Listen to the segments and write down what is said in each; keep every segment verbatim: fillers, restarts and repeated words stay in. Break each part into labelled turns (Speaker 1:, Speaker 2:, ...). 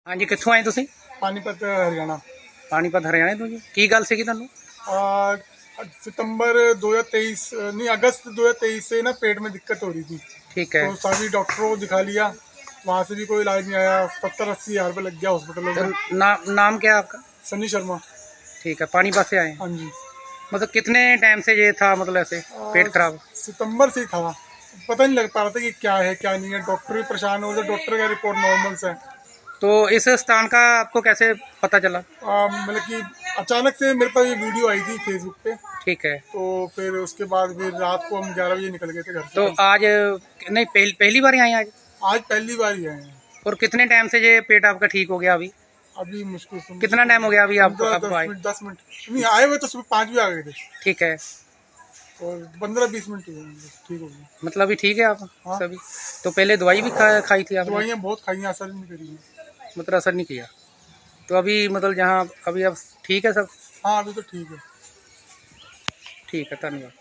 Speaker 1: हाँ जी, कित्थों आए तुसीं?
Speaker 2: पानीपत हरियाणा।
Speaker 1: पानीपत हरियाणे तो जी की गल सी तुहानू?
Speaker 2: आ, सितंबर दो हज़ार तेईस नहीं अगस्त दो हज़ार तेईस से ना पेट में दिक्कत हो रही थी,
Speaker 1: ठीक है।
Speaker 2: तो सभी डॉक्टरों को दिखा लिया, वहाँ से भी कोई इलाज नहीं आया। सत्तर अस्सी हज़ार रुपये लग गया हॉस्पिटलों
Speaker 1: तो
Speaker 2: में।
Speaker 1: ना, नाम क्या है आपका?
Speaker 2: सनी शर्मा।
Speaker 1: ठीक है, पानीपत से आए हैं।
Speaker 2: हाँ जी।
Speaker 1: मतलब कितने टाइम से ये था, मतलब ऐसे पेट
Speaker 2: आ,
Speaker 1: खराब?
Speaker 2: सितंबर से ही था, पता नहीं लग पा रहा था कि क्या है क्या नहीं है। डॉक्टर भी परेशान हो रहे, डॉक्टर का रिपोर्ट नॉर्मल से है।
Speaker 1: तो इस स्थान का आपको कैसे पता चला?
Speaker 2: आ, मतलब कि अचानक से मेरे पास ये वीडियो आई थी फेसबुक पे,
Speaker 1: ठीक है।
Speaker 2: तो फिर उसके बाद फिर रात को हम ग्यारह बजे निकल गए थे घर से।
Speaker 1: तो आज नहीं, पहली पहली बार आए आज?
Speaker 2: आज पहली बार ही आए हैं।
Speaker 1: और कितने टाइम से ये पेट आपका ठीक हो गया अभी?
Speaker 2: अभी मुश्किल से
Speaker 1: कितना टाइम हो गया अभी आपको
Speaker 2: पंद्रह
Speaker 1: आपको
Speaker 2: दस
Speaker 1: आए?
Speaker 2: मिनट दस मिनट नहीं आए हुए, तो सुबह पाँच भी आ गए थे,
Speaker 1: ठीक है।
Speaker 2: और पंद्रह बीस मिनट ही हुए, ठीक हो गया।
Speaker 1: मतलब अभी ठीक है आप?
Speaker 2: हाँ।
Speaker 1: सभी? तो पहले दवाई भी खा, खाई थी आपने?
Speaker 2: दवाइयाँ बहुत खाई हैं, असर नहीं करी हैं।
Speaker 1: मतलब असर नहीं किया? तो अभी मतलब जहाँ अभी अब ठीक है सब?
Speaker 2: हाँ अभी तो ठीक है।
Speaker 1: ठीक है, धन्यवाद।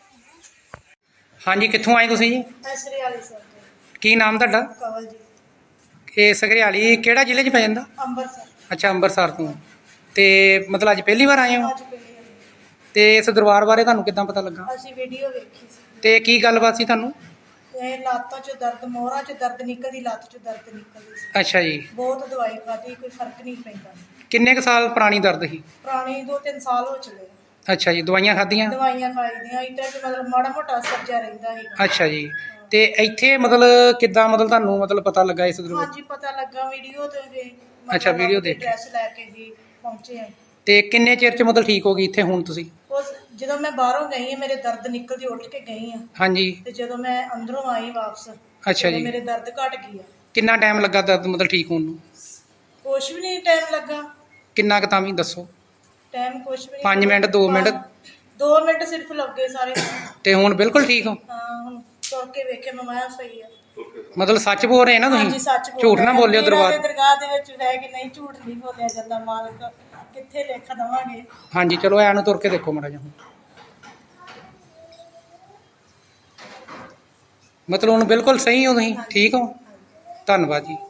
Speaker 1: हाँ जी, कित्थों आए तुसीं जी?
Speaker 3: ਸਰਿਆਲੀ ਸਰ
Speaker 1: ਕੀ ਨਾਮ ਤੁਹਾਡਾ?
Speaker 3: ਕਵਲ ਜੀ
Speaker 1: ਇਹ ਸਗਰਿਆਲੀ ਕਿਹੜਾ ਜ਼ਿਲ੍ਹੇ 'ਚ ਪੈ ਜਾਂਦਾ?
Speaker 3: ਅੰਮ੍ਰਿਤਸਰ
Speaker 1: ਅੱਛਾ, ਅੰਮ੍ਰਿਤਸਰ ਤੋਂ। ਤੇ ਮਤਲਬ ਅੱਜ ਪਹਿਲੀ ਵਾਰ ਆਏ ਹੋ?
Speaker 3: ਅੱਜ ਪਹਿਲੀ ਵਾਰੀ
Speaker 1: ਤੇ ਇਸ ਦਰਬਾਰ ਬਾਰੇ ਤੁਹਾਨੂੰ ਕਿੱਦਾਂ ਪਤਾ ਲੱਗਾ?
Speaker 3: ਅਸੀਂ ਵੀਡੀਓ ਵੇਖੀ ਸੀ।
Speaker 1: ਤੇ ਕੀ ਗੱਲਬਾਤ ਸੀ ਤੁਹਾਨੂੰ?
Speaker 3: ਇਹ ਲੱਤਾਂ 'ਚ ਦਰਦ, ਮੋਹਰਾਂ 'ਚ ਦਰਦ ਨਿਕਲਦੀ, ਲੱਤ 'ਚ ਦਰਦ ਨਿਕਲਦੀ ਸੀ।
Speaker 1: ਅੱਛਾ ਜੀ।
Speaker 3: ਬਹੁਤ ਦਵਾਈ ਖਾਧੀ, ਕੋਈ ਫਰਕ ਨਹੀਂ ਪੈਂਦਾ।
Speaker 1: ਕਿੰਨੇ ਕੁ ਸਾਲ ਪੁਰਾਣੀ ਦਰਦ ਸੀ?
Speaker 3: ਪੁਰਾਣੀ ਦੋ ਤਿੰਨ ਸਾਲ ਹੋ ਚਲੇ।
Speaker 1: ਅੱਛਾ ਜੀ, ਦਵਾਈਆਂ ਖਾਧੀਆਂ?
Speaker 3: ਦਵਾਈਆਂ ਖਾਈਦੀਆਂ, ਇੱਦਾਂ 'ਚ ਮਤਲਬ ਮਾੜਾ ਮੋਟਾ ਅਸਰ ਜਿਹਾ ਰਹਿੰਦਾ ਸੀਗਾ।
Speaker 1: ਅੱਛਾ ਜੀ। ਤੇ ਇੱਥੇ ਮਤਲਬ ਕਿੱਦਾਂ, ਮਤਲਬ ਤੁਹਾਨੂੰ ਮਤਲਬ ਪਤਾ ਲੱਗਾ ਇਸ ਦਰਬਾਰ?
Speaker 3: ਹਾਂਜੀ ਪਤਾ ਲੱਗਾ ਵੀਡੀਓ ਤੇ ਵੀ।
Speaker 1: ਅੱਛਾ, ਵੀਡੀਓ ਦੇਖ ਕੇ।
Speaker 3: ਡਰੈਸ ਲੈ ਕੇ ਜੀ ਪਹੁੰਚੇ ਆ।
Speaker 1: ਤੇ ਕਿੰਨੇ ਚਿਰ 'ਚ ਮਤਲਬ ਠੀਕ ਹੋ ਗਈ ਇੱਥੇ ਹੁਣ ਤੁਸੀਂ?
Speaker 3: ਉਸ ਜਦੋਂ ਮੈਂ ਬਾਹਰੋਂ ਗਈ ਹਾਂ, ਮੇਰੇ ਦਰਦ ਨਿਕਲਦੀ, ਉੱਠ ਕੇ ਗਈ ਹਾਂ,
Speaker 1: ਹਾਂਜੀ।
Speaker 3: ਤੇ ਜਦੋਂ ਮੈਂ ਅੰਦਰੋਂ ਆਈ ਵਾਪਸ,
Speaker 1: ਅੱਛਾ
Speaker 3: ਉਦੋਂ
Speaker 1: ਜੀ।
Speaker 3: ਮੇਰੇ ਦਰਦ ਘਟ ਗਈ ਆ।
Speaker 1: ਕਿੰਨਾ ਟਾਈਮ ਲੱਗਾ ਦਰਦ ਮਤਲਬ ਠੀਕ ਹੋਣ ਨੂੰ?
Speaker 3: ਕੁਛ ਵੀ ਨਹੀਂ ਟਾਈਮ ਲੱਗਾ।
Speaker 1: ਕਿੰਨਾ ਕੁ ਤਾਂ ਵੀ ਦੱਸੋ?
Speaker 3: ਟਾਈਮ ਕੁਛ ਵੀ ਨਹੀਂ।
Speaker 1: ਪੰਜ ਮਿੰਟ, ਦੋ ਮਿੰਟ?
Speaker 3: ਦੋ ਮਿੰਟ ਸਿਰਫ ਲੱਗੇ ਸਾਰੇ।
Speaker 1: ਤੇ ਹੁਣ ਬਿਲਕੁਲ ਠੀਕ ਹੋ?
Speaker 3: ਹਾਂ ਹੁਣ ਤੁਰ ਕੇ ਵੇਖੇ ਮੈਂ, ਮੈਂ ਸਹੀ ਆ।
Speaker 1: ਮਤਲਬ ਸੱਚ ਬੋਲ ਰਹੇ ਨਾ
Speaker 3: ਹਾਂਜੀ
Speaker 1: ਤੁਸੀਂ?
Speaker 3: ਸੱਚ ਬੋਲ
Speaker 1: ਝੂਠ ਨਾ ਬੋਲਿਓ ਦਰਬਾਰ।
Speaker 3: ਦਰਗਾਹ ਦੇ ਵਿੱਚ ਰਹਿ ਕੇ ਨਹੀਂ, ਝੂਠ ਨਹੀਂ ਬੋਲਿਆ ਜਾਂਦਾ। ਮਾਲਕ ਕਿੱਥੇ ਲੇਖਾ ਦੇਵਾਂਗੇ।
Speaker 1: ਹਾਂਜੀ, ਚਲੋ ਐ ਨੂੰ ਤੁਰ ਕੇ ਦੇਖੋ ਮਾੜਾ ਜਿਹਾ। ਮਤਲਬ ਹੁਣ ਬਿਲਕੁਲ ਸਹੀ ਹੋ ਤੁਸੀਂ? ਠੀਕ ਹੋ? ਧੰਨਵਾਦ ਜੀ।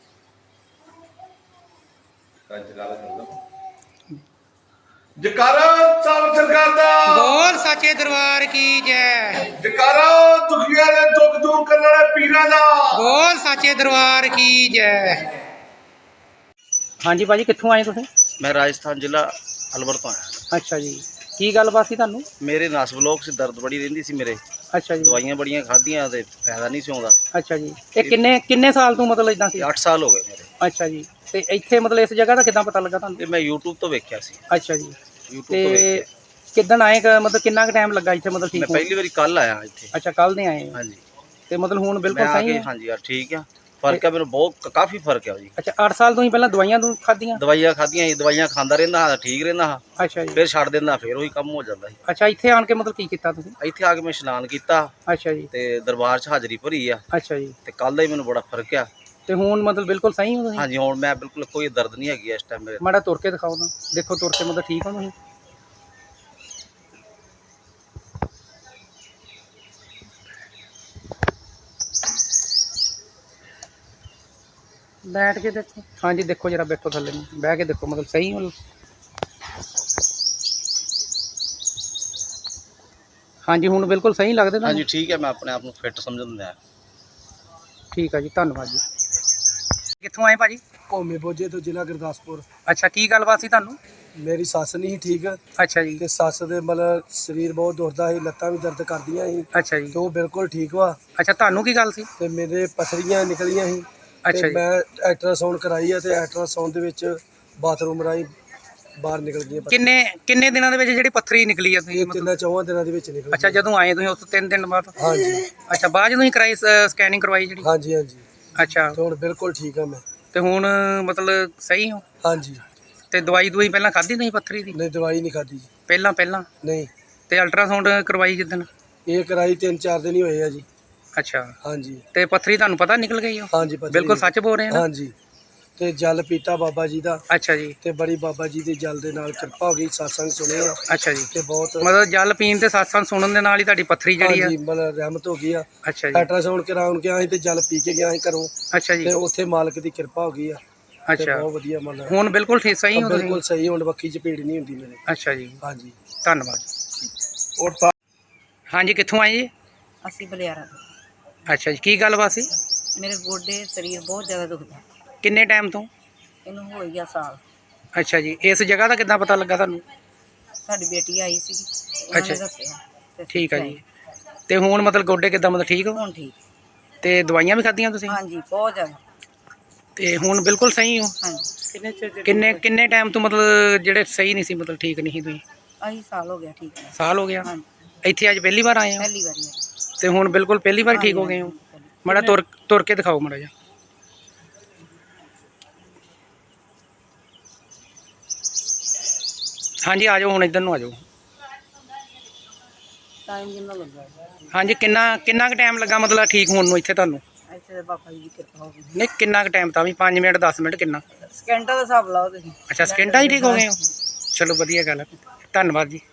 Speaker 4: ਜਕਾਰਾ ਸਾਹਿਬ ਸਰਕਾਰ ਦਾ,
Speaker 1: ਬੋਲ ਸੱਚੇ ਦਰਬਾਰ ਕੀ ਜੈ।
Speaker 4: ਜਕਾਰਾ ਦੁਖੀਆਂ ਦੇ ਦੁੱਖ ਦੂਰ ਕਰਨ ਵਾਲੇ ਪੀਰਾਂ ਦਾ,
Speaker 1: ਬੋਲ ਸੱਚੇ ਦਰਬਾਰ ਕੀ ਜੈ। ਹਾਂਜੀ ਭਾਜੀ, ਕਿੱਥੋਂ ਆਏ ਤੁਸੀਂ?
Speaker 5: मैं राजस्थान जिला अलवर तो आया।
Speaker 1: ਅੱਛਾ ਜੀ। ਕੀ ਗੱਲਬਾਤ ਸੀ ਤੁਹਾਨੂੰ?
Speaker 5: मेरे नस ब्लॉक से दर्द बड़ी रही सी मेरे,
Speaker 1: ਅੱਛਾ ਜੀ।
Speaker 5: दवाइयां बड़ियां खादियां ते फायदा नहीं सी आउंदा।
Speaker 1: ਅੱਛਾ ਜੀ। ਇਹ ਕਿੰਨੇ ਕਿੰਨੇ ਸਾਲ ਤੋਂ ਮਤਲਬ ਇਦਾਂ ਸੀ?
Speaker 5: अठ साल हो गए मेरे।
Speaker 1: ਅੱਛਾ ਜੀ। ਤੇ ਇੱਥੇ ਮਤਲਬ ਇਸ ਜਗ੍ਹਾ ਦਾ ਕਿੱਦਾਂ ਪਤਾ ਲੱਗਾ ਤੁਹਾਨੂੰ?
Speaker 5: ये मैं यूट्यूब तो वेख्या सी,
Speaker 1: ਅੱਛਾ ਜੀ।
Speaker 5: यूट्यूब
Speaker 1: ਤੇ
Speaker 5: तो वेख्या।
Speaker 1: ਕਿੱਦਣ ਆਏ ਕ- ਮਤਲਬ ਕਿੰਨਾ ਕੁ ਟਾਈਮ ਲੱਗਾ ਇੱਥੇ ਮਤਲਬ
Speaker 5: मैं
Speaker 1: ਠੀਕ ਹੋਣ?
Speaker 5: पहली बारी कल आया इत्थे।
Speaker 1: ਅੱਛਾ, ਕੱਲ ਦੇ ਆਏ ਹੋ।
Speaker 5: हाँ जी।
Speaker 1: ਤੇ ਮਤਲਬ ਹੁਣ
Speaker 5: मैं
Speaker 1: ਬਿਲਕੁਲ ਸਹੀ
Speaker 5: आके
Speaker 1: ਹੈ?
Speaker 5: हाँ जी यार ठीक है, फर्क है मेरे बहुत, काफी फर्क है जी।
Speaker 1: ਅੱਛਾ, ਅੱਠ साल ਤੋਂ ਹੀ ਪਹਿਲਾਂ ਦਵਾਈਆਂ ਤੋਂ ਖਾਧੀਆਂ?
Speaker 5: दवाइयां खादियां, दवाइयां खांदा रहंदा हा, ठीक रहंदा हा,
Speaker 1: ਅੱਛਾ ਜੀ।
Speaker 5: फिर छड़ देंदा, फिर वही कम हो जांदा सी।
Speaker 1: ਅੱਛा, ਇੱਥੇ ਆਣ ਕੇ ਮਤਲਬ ਕੀ ਕੀਤਾ ਤੁਸੀਂ?
Speaker 5: ਇੱਥੇ ਆ ਕੇ ਮੈਂ ਇਸ਼ਨਾਨ ਕੀਤਾ
Speaker 1: ਅੱਛਾ ਜੀ।
Speaker 5: ਤੇ ਦਰਬਾਰ 'ਚ ਹਾਜ਼ਰੀ ਭਰੀ ਆ,
Speaker 1: ਅੱਛਾ ਜੀ।
Speaker 5: ਤੇ ਕੱਲ ਦਾ ਹੀ ਮੈਨੂੰ ਬੜਾ ਫਰਕ ਆ।
Speaker 1: ਤੇ ਹੁਣ ਮਤਲਬ ਬਿਲਕੁਲ ਸਹੀ ਹੋ ਤੁਸੀਂ?
Speaker 5: ਹਾਂਜੀ ਹੁਣ ਮੈਂ ਬਿਲਕੁਲ ਕੋਈ ਦਰਦ ਨਹੀਂ ਹੈਗੀ ਇਸ ਟਾਈਮ ਮੇਰੇ।
Speaker 1: ਮਾੜਾ ਤੁਰ ਕੇ ਦਿਖਾਓ ਤਾਂ, ਦੇਖੋ ਤੁਰ ਕੇ ਮਤਲਬ ਠੀਕ ਹੋ ਤੁਸੀਂ? ਬੈਠ ਕੇ ਦੇਖੋ। ਹਾਂਜੀ ਦੇਖੋ, ਜਰਾ ਬੈਠੋ ਥੱਲੇ ਨੂੰ, ਬਹਿ ਕੇ ਦੇਖੋ ਮਤਲਬ ਸਹੀ ਹੋ? ਹਾਂਜੀ ਹੁਣ ਬਿਲਕੁਲ ਸਹੀ ਲੱਗਦੇ ਤੁਹਾਨੂੰ?
Speaker 5: ਹਾਂਜੀ ਠੀਕ ਹੈ, ਮੈਂ ਆਪਣੇ ਆਪ ਨੂੰ ਫਿੱਟ ਸਮਝਦਾ।
Speaker 1: ਠੀਕ ਆ ਜੀ, ਧੰਨਵਾਦ ਜੀ। ਕਿੱਥੋਂ ਆਏ ਭਾਜੀ?
Speaker 2: ਭੌਮੇ ਬੋਝੇ ਤੋਂ, ਜ਼ਿਲ੍ਹਾ ਗੁਰਦਾਸਪੁਰ।
Speaker 1: ਅੱਛਾ, ਕੀ ਗੱਲਬਾਤ ਸੀ ਤੁਹਾਨੂੰ?
Speaker 2: ਮੇਰੀ ਸੱਸ ਨਹੀਂ ਸੀ ਠੀਕ,
Speaker 1: ਅੱਛਾ ਜੀ।
Speaker 2: ਤੇ ਸੱਸ ਦੇ ਮਤਲਬ ਸਰੀਰ ਬਹੁਤ ਦੁਖਦਾ ਸੀ, ਲੱਤਾਂ ਵੀ ਦਰਦ ਕਰਦੀਆਂ ਸੀ,
Speaker 1: ਅੱਛਾ ਜੀ।
Speaker 2: ਤੇ ਉਹ ਬਿਲਕੁਲ ਠੀਕ ਵਾ।
Speaker 1: ਅੱਛਾ, ਤੁਹਾਨੂੰ ਕੀ ਗੱਲ ਸੀ?
Speaker 2: ਤੇ ਮੇਰੇ ਪਥਰੀਆਂ ਨਿਕਲੀਆਂ ਸੀ,
Speaker 1: ਅੱਛਾ
Speaker 2: ਤੇ
Speaker 1: ਜੀ।
Speaker 2: ਮੈਂ ਅਲਟਰਾਸਾਊਂਡ ਕਰਾਈ ਆ, ਤੇ ਅਲਟਰਾਸਾਊਂਡ ਦੇ ਵਿੱਚ ਬਾਥਰੂਮ ਰਾਹੀਂ ਬਾਹਰ ਨਿਕਲ ਗਈਆਂ ਪੱਥਰੀਆਂ।
Speaker 1: ਕਿੰਨੇ ਕਿੰਨੇ ਦਿਨਾਂ ਦੇ ਵਿੱਚ ਜਿਹੜੀ ਪੱਥਰੀ ਨਿਕਲੀ ਆ ਤੁਸੀਂ
Speaker 2: ਇਹ
Speaker 1: ਮਤਲਬ?
Speaker 2: ਤਿੰਨਾਂ ਚੌਹਾਂ ਦਿਨਾਂ ਦੇ ਵਿੱਚ ਨਿਕਲ
Speaker 1: ਅੱਛਾ,
Speaker 2: ਗਈਆਂ।
Speaker 1: ਜਦੋਂ ਆਏ ਤੁਸੀਂ ਉਸ ਤੋਂ ਤਿੰਨ ਦਿਨ ਬਾਅਦ?
Speaker 2: ਹਾਂਜੀ
Speaker 1: ਅੱਛਾ, ਬਾਅਦ ਜਦੋਂ ਹੀ ਕਰਾਈ ਸਕੈਨਿੰਗ ਕਰਵਾਈ ਜਿਹੜੀ?
Speaker 2: ਹਾਂਜੀ ਹਾਂਜੀ।
Speaker 1: ਅੱਛਾ,
Speaker 2: ਤੇ ਹੁਣ ਬਿਲਕੁਲ ਠੀਕ ਆ ਮੈਂ।
Speaker 1: ਤੇ ਹੁਣ ਮਤਲਬ ਸਹੀ ਹੋ?
Speaker 2: ਹਾਂਜੀ।
Speaker 1: ਤੇ ਦਵਾਈ ਦਵਾਈ ਪਹਿਲਾਂ ਖਾਧੀ ਤੁਸੀਂ ਪੱਥਰੀ ਦੀ?
Speaker 2: ਨਹੀਂ ਦਵਾਈ ਨਹੀਂ ਖਾਧੀ ਜੀ।
Speaker 1: ਪਹਿਲਾਂ ਪਹਿਲਾਂ
Speaker 2: ਨਹੀਂ,
Speaker 1: ਤੇ ਅਲਟਰਾਸਾਊਂਡ ਕਰਵਾਈ ਜਿੱਦਣ?
Speaker 2: ਇਹ ਕਰਾਈ ਤਿੰਨ ਚਾਰ ਦਿਨ ਹੀ ਹੋਏ ਆ ਜੀ।
Speaker 1: ਅੱਛਾ,
Speaker 2: ਹਾਂਜੀ
Speaker 1: ਤੇ ਪੱਥਰੀ ਤੁਹਾਨੂੰ ਪਤਾ ਨਿਕਲ ਗਈ ਉਹ?
Speaker 2: ਹਾਂਜੀ ਪੱਥਰੀ
Speaker 1: ਬਿਲਕੁਲ ਸੱਚ ਬੋਲ ਰਹੇ ਨਾ?
Speaker 2: ਹਾਂਜੀ। ਤੇ ਜਲ ਪੀਤਾ ਬਾਬਾ ਜੀ ਦਾ,
Speaker 1: ਅੱਛਾ ਜੀ।
Speaker 2: ਤੇ ਬੜੀ ਬਾਬਾ ਜੀ ਦੇ ਜਲ ਦੇ ਨਾਲ ਕਿਰਪਾ ਹੋ ਗਈ, satsang ਸੁਣੇ ਆ,
Speaker 1: ਅੱਛਾ ਜੀ।
Speaker 2: ਤੇ ਬਹੁਤ
Speaker 1: ਮਤਲਬ ਜਲ ਪੀਣ ਤੇ ਸਤਸੰਗ ਸੁਣਨ ਦੇ ਨਾਲ ਹੀ ਤੁਹਾਡੀ ਪੱਥਰੀ ਜਿਹੜੀ ਆ?
Speaker 2: ਹਾਂਜੀ ਮਤਲਬ ਰਹਿਮਤ ਹੋ ਗਈ ਆ।
Speaker 1: ਅੱਛਾ ਜੀ।
Speaker 2: ਅਲਟਰਾਸਾਊਂਡ ਕਰਾਉਣ ਗਿਆ ਸੀ, ਤੇ ਜਲ ਪੀ ਕੇ ਗਿਆ ਸੀ ਘਰੋਂ,
Speaker 1: ਅੱਛਾ ਜੀ।
Speaker 2: ਤੇ ਉੱਥੇ ਮਾਲਕ ਦੀ ਕਿਰਪਾ ਹੋ ਗਈ ਆ।
Speaker 6: ਤੇ
Speaker 1: ਅੱਛਾ
Speaker 6: ਬਹੁਤ ਵਧੀਆ ਮਤਲਬ
Speaker 1: ਹੁਣ ਬਿਲਕੁਲ ਠੀਕ ਸਹੀ ਹੋ
Speaker 6: ਬਿਲਕੁਲ
Speaker 1: ਤੁਸੀਂ?
Speaker 6: ਸਹੀ ਹੁਣ ਬੱਖੀ ਚ ਪੀੜ ਨਹੀਂ ਹੁੰਦੀ ਮੇਰੇ।
Speaker 1: ਅੱਛਾ ਜੀ,
Speaker 6: ਹਾਂਜੀ
Speaker 1: ਧੰਨਵਾਦ।
Speaker 6: ਔਰ ਤਾਂ
Speaker 1: ਹਾਂਜੀ, ਕਿੱਥੋਂ ਆਏ ਜੀ?
Speaker 7: ਅਸੀਂ ਬਲਿਆਰਾ ਤੋਂ।
Speaker 1: ਅੱਛਾ ਜੀ, ਕੀ ਗੱਲਬਾਤ ਸੀ?
Speaker 7: ਮੇਰੇ ਗੋਡੇ ਸਰੀਰ ਬਹੁਤ ਜ਼ਿਆਦਾ ਦੁਖਦਾ।
Speaker 1: ਕਿੰਨੇ ਟਾਈਮ ਤੋਂ?
Speaker 7: ਇਹਨੂੰ ਹੋ ਗਿਆ ਸਾਲ।
Speaker 1: ਅੱਛਾ ਜੀ, ਇਸ ਜਗ੍ਹਾ ਦਾ ਕਿੱਦਾਂ ਪਤਾ ਲੱਗਾ ਤੁਹਾਨੂੰ?
Speaker 7: ਸਾਡੀ ਬੇਟੀ ਆਈ ਸੀ, ਉਹਨਾਂ
Speaker 1: ਅੱਛਾ
Speaker 7: ਨੇ ਦੱਸਿਆ ਤੇ ਅਸੀਂ
Speaker 1: ਠੀਕ ਆ
Speaker 7: ਇੱਥੇ
Speaker 1: ਜੀ।
Speaker 7: ਆਏ।
Speaker 1: ਤੇ ਹੁਣ ਮਤਲਬ ਗੋਡੇ ਕਿੱਦਾਂ, ਮਤਲਬ ਠੀਕ ਹੋ?
Speaker 7: ਹੁਣ ਠੀਕ।
Speaker 1: ਤੇ ਦਵਾਈਆਂ ਵੀ ਖਾਧੀਆਂ ਤੁਸੀਂ?
Speaker 7: ਹਾਂਜੀ, ਬਹੁਤ ਜ਼ਿਆਦਾ।
Speaker 1: ਤੇ ਹੁਣ ਬਿਲਕੁਲ ਸਹੀ ਹੋ?
Speaker 7: ਹਾਂਜੀ। ਕਿੰਨੇ ਚਿਰ
Speaker 1: ਕਿੰਨੇ ਕਿੰਨੇ ਟਾਈਮ ਤੋਂ ਮਤਲਬ ਜਿਹੜੇ ਸਹੀ ਨਹੀਂ ਸੀ, ਮਤਲਬ ਠੀਕ ਨਹੀਂ ਸੀ ਤੁਸੀਂ?
Speaker 7: ਅਸੀਂ ਸਾਲ ਹੋ ਗਿਆ ਠੀਕ ਹੈ।
Speaker 1: ਸਾਲ ਹੋ ਗਿਆ?
Speaker 7: ਹਾਂਜੀ,
Speaker 1: ਇੱਥੇ ਅੱਜ ਪਹਿਲੀ ਵਾਰ ਆਏ ਹੋ?
Speaker 7: ਪਹਿਲੀ ਵਾਰੀ ਆਈ।
Speaker 1: ਤੇ ਹੁਣ ਬਿਲਕੁਲ ਪਹਿਲੀ ਵਾਰ ਠੀਕ ਹੋ ਗਏ ਹੋ? ਮਾੜਾ ਤੁਰ ਤੁਰ ਕੇ ਦਿਖਾਓ ਮਾੜਾ ਜਿਹਾ। ਹਾਂਜੀ, ਆ ਜਾਓ ਹੁਣ ਇੱਧਰ ਨੂੰ ਆ ਜਾਓ।
Speaker 7: ਟਾਈਮ ਕਿੰਨਾ ਲੱਗਾ?
Speaker 1: ਹਾਂਜੀ, ਕਿੰਨਾ ਕਿੰਨਾ ਕੁ ਟਾਈਮ ਲੱਗਾ ਮਤਲਬ ਠੀਕ ਹੋਣ ਨੂੰ ਇੱਥੇ ਤੁਹਾਨੂੰ?
Speaker 7: ਇੱਥੇ ਬਾਬਾ ਜੀ ਦੀ ਕਿਰਪਾ ਹੋ ਗਈ।
Speaker 1: ਨਹੀਂ, ਕਿੰਨਾ ਕੁ ਟਾਈਮ ਤਾਂ ਵੀ ਪੰਜ ਮਿੰਟ ਦਸ ਮਿੰਟ ਕਿੰਨਾ?
Speaker 7: ਸਕਿੰਟਾਂ ਦਾ ਹਿਸਾਬ ਲਾਓ ਤੁਸੀਂ।
Speaker 1: ਅੱਛਾ, ਸਕਿੰਟਾਂ 'ਚ ਠੀਕ ਹੋ ਗਏ ਹੋ? ਚਲੋ ਵਧੀਆ ਗੱਲ ਹੈ, ਧੰਨਵਾਦ ਜੀ।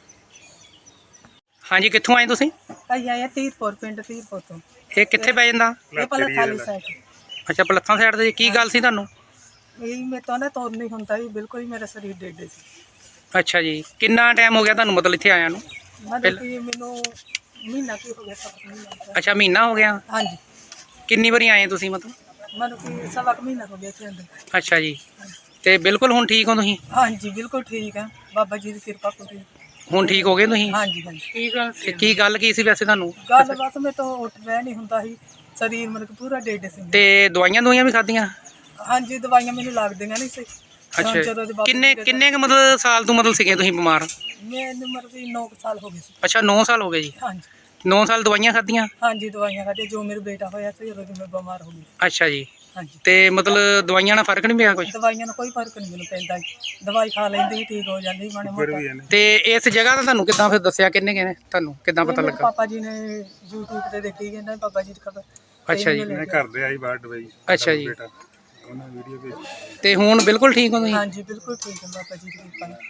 Speaker 1: ਹਾਂਜੀ, ਕਿੱਥੋਂ ਆਏ ਤੁਸੀਂ?
Speaker 3: ਅਸੀਂ ਆਏ ਤੀਰਪੁਰ ਪਿੰਡ ਤੀਰਪੁਰ ਤੋਂ।
Speaker 1: ਇਹ ਕਿੱਥੇ ਪੈ ਜਾਂਦਾ?
Speaker 3: ਇਹ ਪਹਿਲਾਂ ਖਾਲੀ ਸਾਈਡ
Speaker 1: ਅੱਛਾ, ਪਲੱਥਾਂ ਸਾਈਡ ਤੇ। ਕੀ ਗੱਲ ਸੀ ਤੁਹਾਨੂੰ?
Speaker 3: ਇਹ ਮੇਰੇ ਤੋਂ ਨਾ ਤੁਰ ਨਹੀਂ ਹੁੰਦਾ ਸੀ, ਬਿਲਕੁਲ ਹੀ ਮੇਰਾ ਸਰੀਰ ਡੇਡੇ ਸੀ।
Speaker 1: ਅੱਛਾ ਜੀ, ਕਿੰਨਾ ਟਾਈਮ ਹੋ ਗਿਆ ਤੁਹਾਨੂੰ ਮਤਲਬ ਇੱਥੇ ਆਇਆਂ ਨੂੰ?
Speaker 3: ਮਤਲਬ ਕਿ ਮੈਨੂੰ ਮਹੀਨਾ ਕੀ ਹੋ ਗਿਆ, ਸਵਾ ਕੁ ਮਹੀਨਾ ਹੋ ਗਿਆ।
Speaker 1: ਅੱਛਾ, ਮਹੀਨਾ ਹੋ ਗਿਆ।
Speaker 3: ਹਾਂਜੀ,
Speaker 1: ਕਿੰਨੀ ਵਾਰੀ ਆਏ ਤੁਸੀਂ ਮਤਲਬ?
Speaker 3: ਮਤਲਬ ਕਿ ਸਵਾ ਕੁ ਮਹੀਨਾ ਹੋ ਗਿਆ ਇੱਥੇ ਆਉਂਦੇ।
Speaker 1: ਅੱਛਾ ਜੀ, ਤੇ ਬਿਲਕੁਲ ਹੁਣ ਠੀਕ ਹੋ ਤੁਸੀਂ?
Speaker 3: ਹਾਂਜੀ, ਬਿਲਕੁਲ ਠੀਕ ਹੈ, ਬਾਬਾ ਜੀ ਦੀ ਕਿਰਪਾ ਪੂਰੀ।
Speaker 1: ਹੁਣ ਠੀਕ ਹੋ ਗਏ ਤੁਸੀਂ?
Speaker 3: ਹਾਂਜੀ ਹਾਂਜੀ।
Speaker 1: ਕੀ ਗੱਲ ਸੀ? ਕੀ ਗੱਲ ਕੀ ਸੀ ਵੈਸੇ ਤੁਹਾਨੂੰ?
Speaker 3: ਗੱਲ ਬਸ ਮੇਰੇ ਤੋਂ ਉੱਠ ਬਹਿ ਨਹੀਂ ਹੁੰਦਾ ਸੀ, ਸਰੀਰ ਮਤਲਬ ਕਿ ਪੂਰਾ ਡੇਡੇ ਸੀ।
Speaker 1: ਤੇ ਦਵਾਈਆਂ ਦਵਾਈਆਂ ਵੀ ਖਾਧੀਆਂ?
Speaker 3: ਹਾਂਜੀ, ਦਵਾਈਆਂ ਮੈਨੂੰ ਲੱਗਦੀਆਂ ਨਹੀਂ ਸੀ।
Speaker 1: ਅੱਛਾ,
Speaker 3: ਜਦੋਂ ਦੇ ਬਾਬਾ
Speaker 1: ਕਿੰਨੇ
Speaker 3: ਜੀ ਦੇ
Speaker 1: ਕਿੰਨੇ ਕੁ ਮਤਲਬ ਸਾਲ ਤੋਂ ਮਤਲਬ ਸੀਗੇ ਤੁਸੀਂ ਬਿਮਾਰ?
Speaker 3: ਮੈਨੂੰ ਮਤਲਬ ਕਿ ਨੌ ਕੁ ਸਾਲ ਹੋ ਗਏ ਸੀ।
Speaker 1: ਅੱਛਾ, ਨੌ ਸਾਲ ਹੋ ਗਏ ਜੀ।
Speaker 3: ਹਾਂਜੀ
Speaker 1: ਨੌ ਸਾਲ ਦਵਾਈਆਂ ਖਾਧੀਆਂ?
Speaker 3: ਹਾਂਜੀ, ਦਵਾਈਆਂ ਖਾਧੀਆਂ। ਜੋ ਮੇਰਾ ਬੇਟਾ ਹੋਇਆ ਸੀ ਉਦੋਂ ਦੀ ਮੈਂ ਬਿਮਾਰ ਹੋ ਗਈ।
Speaker 1: ਅੱਛਾ ਜੀ,
Speaker 3: ਹਾਂਜੀ,
Speaker 1: ਤੇ ਮਤਲਬ ਦਵਾਈਆਂ ਨਾਲ ਫਰਕ ਨਹੀਂ ਪਿਆ ਕੁਝ?
Speaker 3: ਦਵਾਈਆਂ ਨਾਲ ਕੋਈ ਫਰਕ ਨਹੀਂ ਮੈਨੂੰ ਪੈਂਦਾ ਜੀ। ਦਵਾਈ ਖਾ ਲੈਂਦੀ ਸੀ, ਠੀਕ ਹੋ ਜਾਂਦੀ ਮਾੜਾ ਮੋਟਾ।
Speaker 1: ਤੇ ਇਸ ਜਗ੍ਹਾ ਦਾ ਤੁਹਾਨੂੰ ਕਿੱਦਾਂ ਫਿਰ ਦੱਸਿਆ ਕਿੰਨੇ ਕਿਹਨੇ ਤੁਹਾਨੂੰ, ਕਿੱਦਾਂ ਪਤਾ
Speaker 3: ਮੇਰੇ
Speaker 1: ਲੱਗਾ?
Speaker 3: ਪਾਪਾ ਜੀ ਨੇ YouTube ਤੇ ਦੇਖੀ, ਕਹਿੰਦਾ ਬਾਬਾ ਜੀ ਦੀ ਖਬਰ।
Speaker 1: ਅੱਛਾ ਜੀ,
Speaker 2: ਘਰ ਦੇ ਆਈ ਬਾਹਰ ਦਵਾਈ
Speaker 1: ਅੱਛਾ ਜੀ,
Speaker 2: ਬੇਟਾ ਉਹਨਾਂ ਵੀਡੀਓ ਭੇਜੀ।
Speaker 1: ਤੇ ਹੁਣ ਬਿਲਕੁਲ ਠੀਕ ਹੋ ਤੁਸੀਂ?
Speaker 3: ਹਾਂਜੀ, ਬਿਲਕੁਲ ਠੀਕ ਹੈ ਬਾਬਾ ਜੀ ਦੀ ਕਿਰਪਾ ਨਾਲ।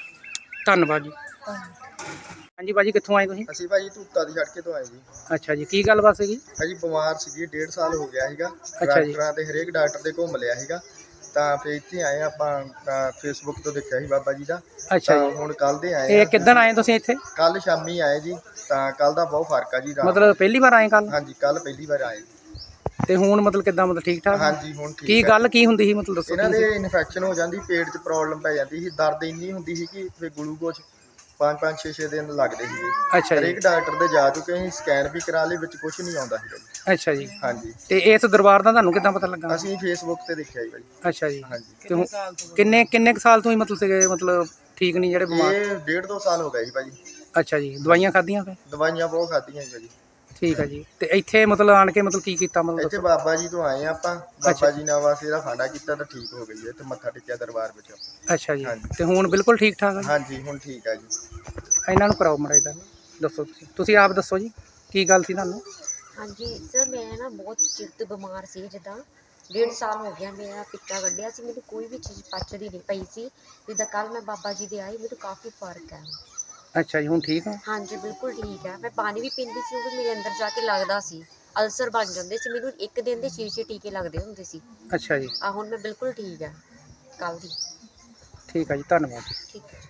Speaker 1: ਧੰਨਵਾਦ ਜੀ।
Speaker 3: ਧੰਨਵਾਦ।
Speaker 1: ਹਾਂਜੀ ਭਾਜੀ, ਕਿੱਥੋਂ ਆਏ ਤੁਸੀਂ?
Speaker 8: ਅਸੀਂ ਭਾਜੀ ਧੂਤਾ ਦੀ ਸੜਕੇ ਤੋਂ ਆਏ ਜੀ।
Speaker 1: ਅੱਛਾ ਜੀ, ਕੀ ਗੱਲਬਾਤ ਸੀਗੀ?
Speaker 8: ਭਾਜੀ ਬਿਮਾਰ ਸੀਗੀ, ਡੇਢ ਸਾਲ ਹੋ ਗਿਆ ਸੀਗਾ।
Speaker 1: ਜੀ।
Speaker 8: ਡਾਕਟਰਾਂ ਤੇ ਹਰੇਕ ਡਾਕਟਰ ਦੇ ਘੁੰਮ ਲਿਆ ਸੀਗਾ, ਤਾਂ ਫਿਰ ਇੱਥੇ ਆਏ ਆਪਾਂ। ਤਾਂ ਫੇਸਬੁੱਕ ਤੋਂ ਦੇਖਿਆ ਸੀ ਬਾਬਾ ਜੀ ਦਾ।
Speaker 1: ਅੱਛਾ
Speaker 8: ਤਾਂ
Speaker 1: ਜੀ,
Speaker 8: ਹੁਣ ਕੱਲ ਦੇ ਆਏ
Speaker 1: ਇਹ ਕਿੱਦਣ ਆਏ ਤੁਸੀਂ ਇੱਥੇ?
Speaker 8: ਕੱਲ ਸ਼ਾਮੀ ਆਏ ਜੀ। ਤਾਂ ਕੱਲ ਦਾ ਬਹੁਤ ਫਰਕ ਆ ਜੀ ਰਾਤ
Speaker 1: ਮਤਲਬ ਪਹਿਲੀ ਵਾਰ ਆਏ ਕੱਲ?
Speaker 8: ਹਾਂਜੀ, ਕੱਲ ਪਹਿਲੀ ਵਾਰ ਆਏ।
Speaker 1: ਤੇ ਹੁਣ ਮਤਲਬ ਕਿੱਦਾਂ, ਮਤਲਬ ਠੀਕ ਠਾਕ?
Speaker 8: ਹਾਂਜੀ, ਹੁਣ ਠੀਕ
Speaker 1: ਕੀ
Speaker 8: ਆ।
Speaker 1: ਗੱਲ ਕੀ ਹੁੰਦੀ ਸੀ ਮਤਲਬ ਦੱਸੋ
Speaker 8: ਇਹਨਾਂ ਦੇ
Speaker 1: ਤੁਸੀਂ?
Speaker 8: ਇਨਫੈਕਸ਼ਨ ਹੋ ਜਾਂਦੀ, ਪੇਟ 'ਚ ਪ੍ਰੋਬਲਮ ਪੈ ਜਾਂਦੀ ਸੀ, ਦਰਦ ਇੰਨੀ ਹੁੰਦੀ ਸੀ ਕਿ ਫਿਰ ਗਲੂਕੋਜ਼ ਪੰਜ ਪੰਜ ਛੇ ਛੇ ਦਿਨ ਲੱਗਦੇ ਸੀਗੇ।
Speaker 1: ਅੱਛਾ ਜੀ,
Speaker 8: ਹਰੇਕ ਡਾਕਟਰ ਦੇ ਜਾ ਚੁੱਕੇ ਅਸੀਂ, ਸਕੈਨ ਵੀ ਕਰਾ ਲਏ, ਵਿੱਚ ਕੁਝ ਨਹੀਂ ਆਉਂਦਾ ਸੀਗਾ ਜੀ।
Speaker 1: ਅੱਛਾ ਜੀ,
Speaker 8: ਹਾਂਜੀ,
Speaker 1: ਤੇ ਇਸ ਦਰਬਾਰ ਦਾ ਤੁਹਾਨੂੰ ਕਿੱਦਾਂ ਪਤਾ ਲੱਗਾ?
Speaker 8: ਅਸੀਂ ਫੇਸਬੁੱਕ ਤੇ ਦੇਖਿਆ ਜੀ ਭਾਜੀ।
Speaker 1: ਅੱਛਾ ਜੀ,
Speaker 8: ਹਾਂਜੀ,
Speaker 1: ਤੇ ਹੁਣ ਕਿੰਨੇ ਕਿੰਨੇ ਕੁ ਸਾਲ ਤੋਂ ਹੀ ਮਤਲਬ ਸੀਗੇ, ਮਤਲਬ ਠੀਕ ਨਹੀਂ ਜਿਹੜੇ ਬਿਮਾਰ?
Speaker 8: ਇਹ ਡੇਢ ਦੋ ਸਾਲ ਹੋ ਗਏ ਜੀ ਭਾਜੀ।
Speaker 1: ਅੱਛਾ ਜੀ, ਦਵਾਈਆਂ ਖਾਧੀਆਂ ਫਿਰ?
Speaker 8: ਦਵਾਈਆਂ ਬਹੁਤ ਖਾਧੀਆਂ ਜੀ ਭਾਜੀ।
Speaker 1: ਠੀਕ ਹੈ ਜੀ, ਤੇ ਇੱਥੇ ਮਤਲਬ ਆਣ ਕੇ ਮਤਲਬ ਕੀ ਕੀਤਾ ਮਤਲਬ
Speaker 8: ਇੱਥੇ
Speaker 1: ਦੱਸੋ?
Speaker 8: ਬਾਬਾ ਜੀ ਤੋਂ ਆਏ ਆ ਆਪਾਂ। ਬਾਬਾ ਜੀ ਨੇ ਬਸ ਇਹਦਾ ਫਾਂਡਾ ਕੀਤਾ ਤਾਂ ਠੀਕ ਹੋ ਗਈ ਹੈ, ਤੇ ਮੱਥਾ ਟੇਕਿਆ ਦਰਬਾਰ ਵਿੱਚ।
Speaker 1: ਅੱਛਾ ਜੀ,
Speaker 8: ਹਾਂਜੀ।
Speaker 1: ਤੇ ਹੁਣ ਬਿਲਕੁਲ ਠੀਕ ਠਾਕ ਹੈ?
Speaker 8: ਹਾਂਜੀ, ਹੁਣ ਠੀਕ ਆ ਜੀ।
Speaker 1: ਇਹਨਾਂ ਨੂੰ ਕਰਾਓ ਮੜਾ ਇਹਦਾ, ਦੱਸੋ ਤੁਸੀਂ ਤੁਸੀਂ ਆਪ ਦੱਸੋ ਜੀ, ਕੀ ਗੱਲ ਸੀ ਤੁਹਾਨੂੰ?
Speaker 9: ਹਾਂਜੀ ਸਰ, ਮੈਂ ਨਾ ਬਹੁਤ ਚਿਰ ਤੋਂ ਬਿਮਾਰ ਸੀ, ਜਿੱਦਾਂ ਡੇਢ ਸਾਲ ਹੋ ਗਿਆ ਮੇਰਾ ਪਿੱਤਾ ਕੱਢਿਆ ਸੀ, ਮੈਨੂੰ ਕੋਈ ਵੀ ਚੀਜ਼ ਪਚਦੀ ਨਹੀਂ ਪਈ ਸੀ। ਜਿੱਦਾਂ ਕੱਲ ਮੈਂ ਬਾਬਾ ਜੀ ਦੇ ਆਈ, ਮੈਨੂੰ ਕਾਫੀ ਫਰਕ ਹੈ।
Speaker 1: ਅੱਛਾ ਜੀ, ਹੁਣ ਠੀਕ ਆ?
Speaker 9: ਹਾਂਜੀ, ਬਿਲਕੁਲ ਠੀਕ ਹੈ। ਮੈਂ ਪਾਣੀ ਵੀ ਪੀਂਦੀ ਸੀ, ਉਹ ਵੀ ਮੇਰੇ ਅੰਦਰ ਜਾ ਕੇ ਲੱਗਦਾ ਸੀ, ਅਲਸਰ ਬਣ ਜਾਂਦੇ ਸੀ, ਮੈਨੂੰ ਇੱਕ ਦਿਨ ਦੇ ਛੇ ਛੇ ਟੀਕੇ ਲੱਗਦੇ ਹੁੰਦੇ ਸੀ।
Speaker 1: ਅੱਛਾ ਜੀ,
Speaker 9: ਆ ਹੁਣ ਮੈਂ ਬਿਲਕੁਲ ਠੀਕ ਹੈ ਕੱਲ ਦੀ।
Speaker 1: ਠੀਕ ਆ ਜੀ, ਧੰਨਵਾਦ।
Speaker 9: ਠੀਕ ਹੈ।